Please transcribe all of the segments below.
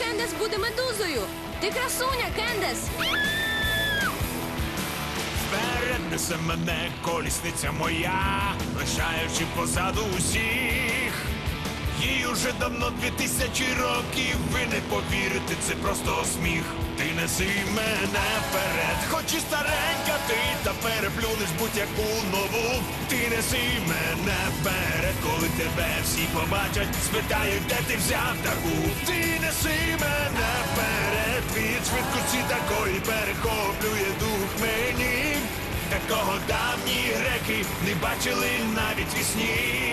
Кендес буде медузою. Ти красуня, Кендес. Вперед несе мене колісниця моя, лишаючи позаду усіх. Їй уже давно 2000 років, ви не повірите, це просто сміх. Ти неси мене вперед, хоч і старенька ти, та переплюнеш будь-яку нову. Ти неси мене вперед, коли тебе всі побачать, спитають, де ти взяв таку. Ти неси мене вперед, від швидкості такої перехоплює дух мені. Такого давні греки не бачили навіть вісні.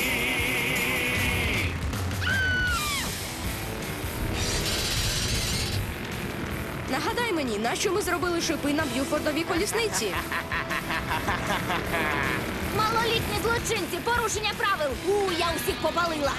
Нагадай мені, нащо ми зробили шипи на Б'юфордовій колісниці? Малолітні злочинці, порушення правил. Я усіх попалила.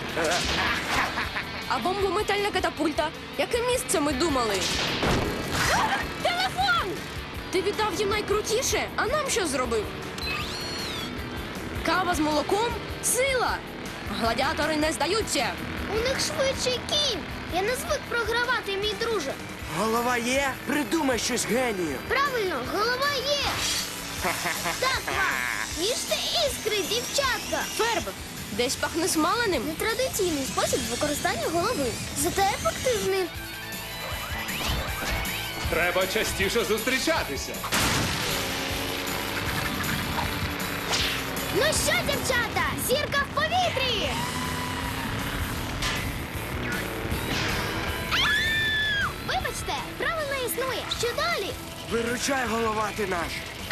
А бомбометальна катапульта? Яке місце ми думали? Телефон! Ти віддав їм найкрутіше, а нам що зробив? Кава з молоком? Сила! Гладіатори не здаються! У них швидший кінь. Я не звик програвати, мій друже. Голова є? Придумай щось генію. Правильно, голова є. Так вам. Їжте іскри, дівчатка. Ферб! Десь пахне смаленим. Нетрадиційний спосіб використання голови. Зате ефективний. Треба частіше зустрічатися. Ну що, дівчата, зірка в повітрі. Вибачте, правил не існує. Що далі? Виручай, голова ти наш.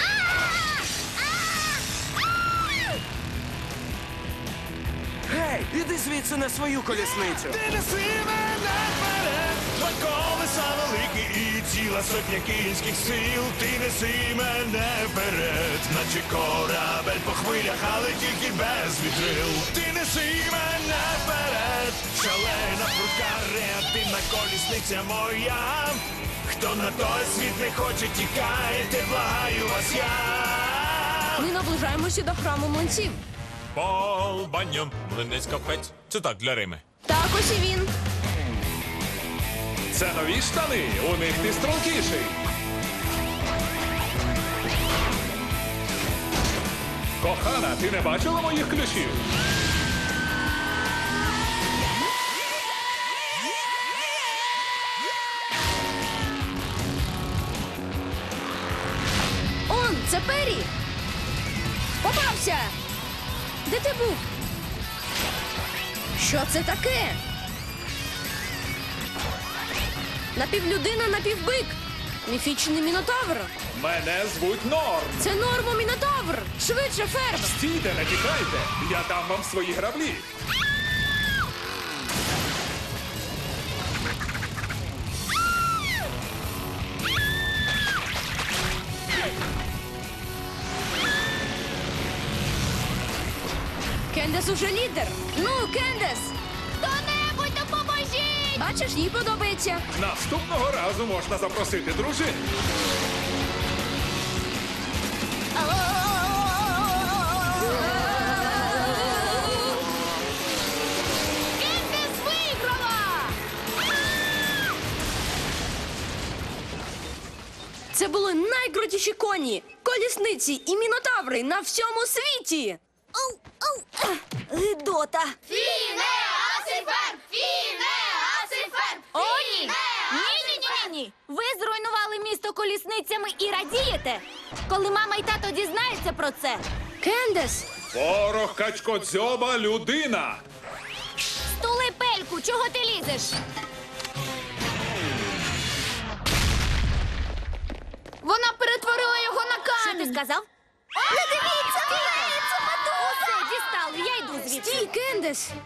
Гей, іди звідси на свою колісницю. Ти неси мене вперед, два колеса великі і ціла сотня кінських сил. Ти неси мене вперед, наче корабель по хвилях, але тільки без вітрил. Ти неси мене вперед, шалена, прудка, реактивна колісниця моя. Хто на той світ не хоче, тікайте, благаю вас я. Ми наближаємося до храму млинців. Болбаньом, млинець капець. Це так, для Рими. Так ось і він. Це нові штани, у них ти стрункіший. Кохана, ти не бачила моїх ключів? Он, це Пері! Попався! Де ти був? Що це таке? Напівлюдина, напівбик. Міфічний мінотавр. Мене звуть Норм. Це нормомінотавр. Швидше, Ферб. Стійте, не тікайте. Я дам вам свої граблі. Кендес уже лідер. Ну, Кендес! Хто-небудь допоможіть! Бачиш, їй подобається. Наступного разу можна запросити дружину. Кендес виграла! Це були найкрутіші коні, колісниці і мінотаври на всьому світі. Гидота! Фінеасифер! Фінеасифер! О, ні! Ні! Ви зруйнували місто колісницями і радієте? Коли мама і тато дізнаються про це. Кендес! Порох качкодзьоба людина. Стули пельку, чого ти лізеш? Вона перетворила його на Що камінь. ти сказав? Не дивіться! Це матуся! Дістали, я йду звідси. Стій, Кендес!